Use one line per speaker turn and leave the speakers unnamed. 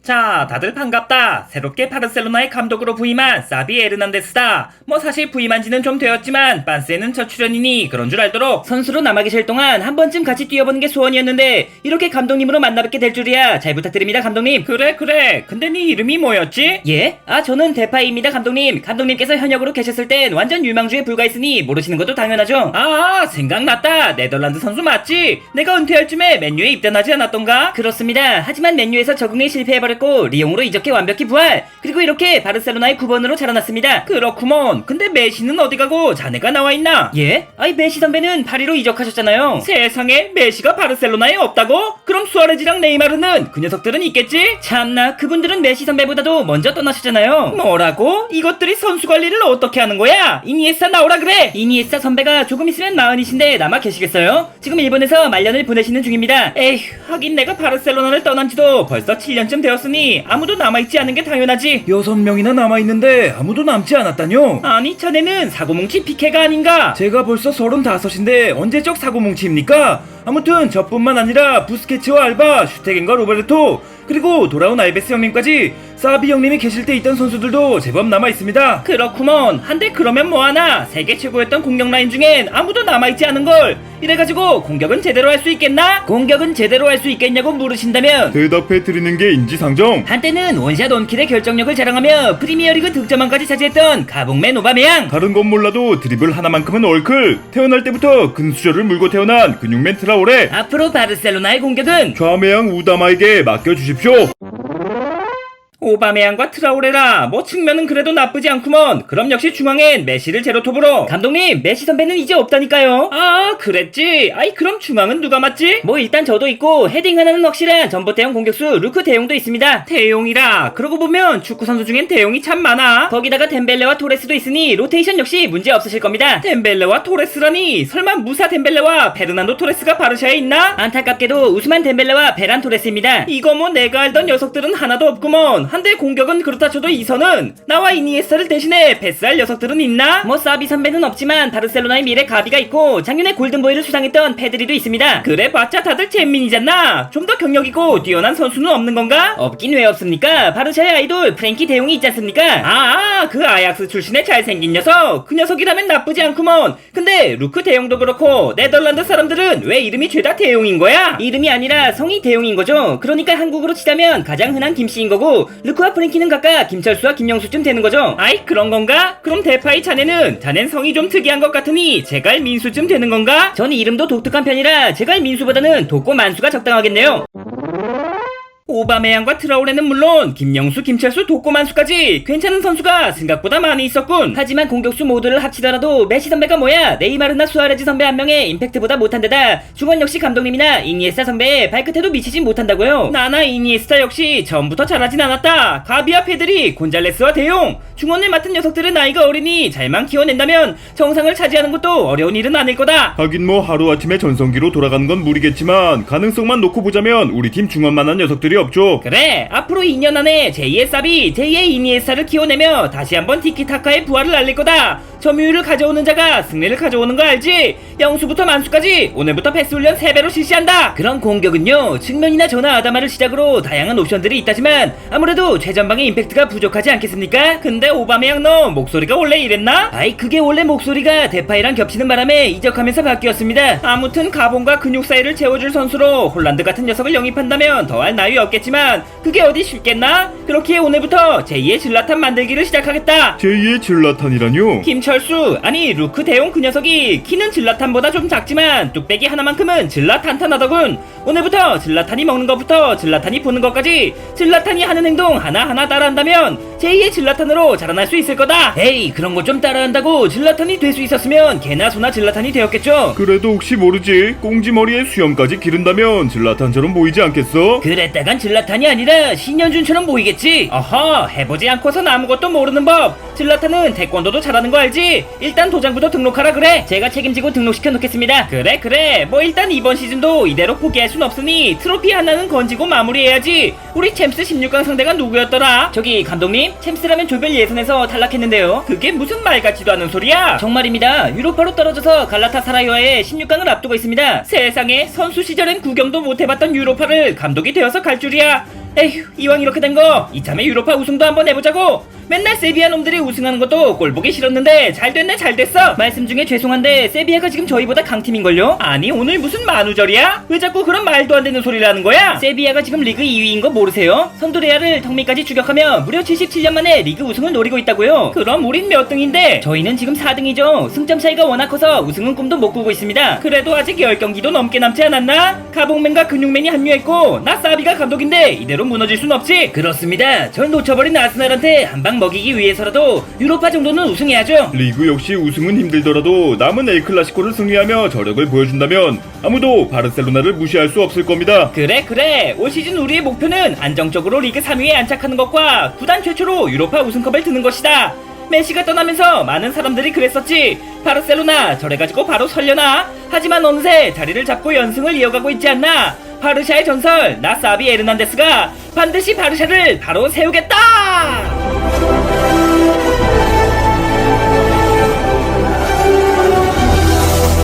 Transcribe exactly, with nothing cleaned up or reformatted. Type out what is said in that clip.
자, 다들 반갑다. 새롭게 바르셀로나의 감독으로 부임한 사비 에르난데스다. 뭐 사실 부임한 지는 좀 되었지만 반스에는 첫 출연이니 그런 줄 알도록 선수로 남아 계실 동안 한 번쯤 같이 뛰어보는 게 소원이었는데 이렇게 감독님으로 만나뵙게 될 줄이야. 잘 부탁드립니다, 감독님. 그래 그래. 근데 네 이름이 뭐였지? 예? 아, 저는 데파이입니다, 감독님. 감독님께서 현역으로 계셨을 땐 완전 유망주에 불과했으니 모르시는 것도 당연하죠. 아, 생각났다. 네덜란드 선수 맞지? 내가 은퇴할 쯤에 맨유에 입단하지 않았던가? 그렇습니다. 하지만 맨유에서 적응에 실패해버렸고 리옹으로 이적해 완벽히 부활. 그리고 이렇게 바르셀로나의 구 번으로 자라났습니다. 그렇구먼. 근데 메시는 어디 가고 자네가 나와있나? 예? 아이, 메시 선배는 파리로 이적하셨잖아요. 세상에, 메시가 바르셀로나에 없다고? 그럼 수아레즈랑 네이마르는 그 녀석들은 있겠지? 참나, 그분들은 메시 선배보다도 먼저 떠나셨잖아요. 뭐라고? 이것들이 선수 관리를 어떻게 하는 거야? 이니에스타 나오라 그래. 이니에스타 선배가 조금 있으면 마흔이신데 남아 계시겠어요? 지금 일본에서 말년을 보내시는 중입니다. 에휴, 하긴 내가 바르셀로나를 떠난 지도 벌써 칠 년쯤 되었으니 아무도 남아있지 않은 게 당연하지. 여섯 명이나 남아있는데 아무도 남지 않았다뇨? 아니, 자네는 사고뭉치 피케가 아닌가? 제가 벌써 서른다섯인데 언제적 사고뭉치입니까? 아무튼 저뿐만 아니라 부스케츠와 알바, 슈테겐과 로베르토, 그리고 돌아온 알베스 형님까지 사비 형님이 계실 때 있던 선수들도 제법 남아있습니다. 그렇구먼. 한데 그러면 뭐하나? 세계 최고였던 공격 라인 중엔 아무도 남아있지 않은걸. 이래가지고 공격은 제대로 할 수 있겠나? 공격은 제대로 할 수 있겠냐고 물으신다면
대답해드리는 게 인지상정.
한때는 원샷 원킬의 결정력을 자랑하며 프리미어리그 득점왕까지 차지했던 가봉맨 오바메양.
다른 건 몰라도 드리블 하나만큼은 얼클. 태어날 때부터 근수저를 물고 태어난 근육맨 트라오레.
앞으로 바르셀로나의 공격은
좌매양 우다마에게 맡겨주십시오.
오바메양과 트라오레라. 뭐 측면은 그래도 나쁘지 않구먼. 그럼 역시 중앙엔 메시를 제로톱으로. 감독님, 메시 선배는 이제 없다니까요. 아, 그랬지. 아이, 그럼 중앙은 누가 맞지? 뭐 일단 저도 있고 헤딩 하나는 확실한 전보태용 공격수 루크 대용도 있습니다. 대용이라. 그러고 보면 축구 선수 중엔 대용이 참 많아. 거기다가 덴벨레와 토레스도 있으니 로테이션 역시 문제 없으실 겁니다. 덴벨레와 토레스라니? 설마 무사 덴벨레와 베르난도 토레스가 바르샤에 있나? 안타깝게도 우스만 덴벨레와 베란 토레스입니다. 이거 뭐 내가 알던 녀석들은 하나도 없구먼. 한데 공격은 그렇다 쳐도 이선은 나와 이니에스타를 대신해 패스할 녀석들은 있나? 뭐 사비 선배는 없지만 바르셀로나의 미래 가비가 있고 작년에 골든보이를 수상했던 페드리도 있습니다. 그래 봤자 다들 잼민이잖아. 좀 더 경력있고 뛰어난 선수는 없는 건가? 없긴 왜 없습니까? 바르샤의 아이돌 프랭키 대용이 있지 않습니까? 아, 그 아약스 출신의 잘생긴 녀석. 그 녀석이라면 나쁘지 않구먼. 근데 루크 대용도 그렇고 네덜란드 사람들은 왜 이름이 죄다 대용인 거야? 이름이 아니라 성이 대용인 거죠. 그러니까 한국으로 치자면 가장 흔한 김씨인 거고 루크와 프랭키는 각각 김철수와 김영수쯤 되는 거죠. 아이, 그런 건가? 그럼 대파이 자네는 자넨 성이 좀 특이한 것 같으니 제갈 민수쯤 되는 건가? 전 이름도 독특한 편이라 제갈 민수보다는 독고 만수가 적당하겠네요. 오바메양과 트라오레는 물론 김영수, 김철수, 독고만수까지 괜찮은 선수가 생각보다 많이 있었군. 하지만 공격수 모두를 합치더라도 메시 선배가 뭐야? 네이마르나 수아레즈 선배 한 명의 임팩트보다 못한 데다 중원 역시 감독님이나 이니에스타 선배의 발끝에도 미치진 못한다고요. 나나 이니에스타 역시 처음부터 잘하진 않았다. 가비와 페드리, 곤잘레스와 대용, 중원을 맡은 녀석들은 나이가 어리니 잘만 키워낸다면 정상을 차지하는 것도 어려운 일은 아닐 거다.
하긴 뭐 하루아침에 전성기로 돌아가는 건 무리겠지만 가능성만 놓고 보자면 우리 팀 중원만한 녀석들이 없죠.
그래, 앞으로 이 년 안에 제이의 사비, 제이의 이니에스타를 키워내며 다시 한번 티키타카의 부활을 알릴 거다. 점유율을 가져오는 자가 승리를 가져오는 거 알지? 영수부터 만수까지 오늘부터 패스 훈련 세 배로 실시한다. 그런 공격은요, 측면이나 전화 아다마를 시작으로 다양한 옵션들이 있다지만 아무래도 최전방의 임팩트가 부족하지 않겠습니까? 근데 오바메양 너 목소리가 원래 이랬나? 아이, 그게 원래 목소리가 데파이랑 겹치는 바람에 이적하면서 바뀌었습니다. 아무튼 가봉과 근육 사이를 채워줄 선수로 홀란드 같은 녀석을 영입한다면 더할 나위 없겠지만 그게 어디 쉽겠나? 그렇기에 오늘부터 제이의 질라탄 만들기를 시작하겠다.
제이의 질라탄이라뇨?
김철수, 아니 루크 대용 그 녀석이 키는 질라탄보다 좀 작지만 뚝배기 하나만큼은 질라탄탄하더군. 오늘부터 질라탄이 먹는 것부터 질라탄이 보는 것까지 질라탄이 하는 행동 하나하나 따라한다면 제이의 질라탄으로 자라날 수 있을 거다. 에이, 그런 거 좀 따라한다고 질라탄이 될 수 있었으면 개나 소나 질라탄이 되었겠죠.
그래도 혹시 모르지, 꽁지머리에 수염까지 기른다면 질라탄처럼 보이지 않겠어?
그랬다간 질라탄이 아니라 신현준처럼 보이겠지. 어허, 해보지 않고선 아무것도 모르는 법. 질라탄은 태권도도 잘하는 거 알지? 일단 도장부터 등록하라 그래. 제가 책임지고 등록시켜 놓겠습니다. 그래 그래, 뭐 일단 이번 시즌도 이대로 포기할 순 없으니 트로피 하나는 건지고 마무리해야지. 우리 챔스 십육 강 상대가 누구였더라? 저기 감독님, 챔스라면 조별 예선에서 탈락했는데요. 그게 무슨 말 같지도 않은 소리야. 정말입니다. 유로파로 떨어져서 갈라타사라이와의 십육 강을 앞두고 있습니다. 세상에, 선수 시절엔 구경도 못 해봤던 유로파를 감독이 되어서 갈 줄이야. 에휴, 이왕 이렇게 된 거 이참에 유로파 우승도 한번 해보자고. 맨날 세비야 놈들이 우승하는 것도 꼴보기 싫었는데 잘 됐네 잘 됐어. 말씀 중에 죄송한데 세비야가 지금 저희보다 강팀인걸요? 아니 오늘 무슨 만우절이야? 왜 자꾸 그런 말도 안 되는 소리를 하는 거야? 세비야가 지금 리그 이 위인 거 모르세요? 선두레아를 턱밑까지 추격하며 무려 칠십칠 년 만에 리그 우승을 노리고 있다고요? 그럼 우린 몇 등인데? 저희는 지금 사 등이죠. 승점 차이가 워낙 커서 우승은 꿈도 못 꾸고 있습니다. 그래도 아직 열 경기도 넘게 남지 않았나? 가봉맨과 근육맨이 합류했고 나 사비가 감독인데 이대로 무너질 순 없지. 그렇습니다. 전 놓쳐버린 아스날한테 한방 먹이기 위해서라도 유로파 정도는 우승해야죠.
리그 역시 우승은 힘들더라도 남은 엘클라시코를 승리하며 저력을 보여준다면 아무도 바르셀로나를 무시할 수 없을 겁니다.
그래 그래 올 시즌 우리의 목표는 안정적으로 리그 삼 위에 안착하는 것과 구단 최초로 유로파 우승컵을 드는 것이다. 메시가 떠나면서 많은 사람들이 그랬었지. 바르셀로나 저래가지고 바로 설려나? 하지만 어느새 자리를 잡고 연승을 이어가고 있지 않나? 바르샤의 전설 나 사비 에르난데스가 반드시 바르샤를 바로 세우겠다.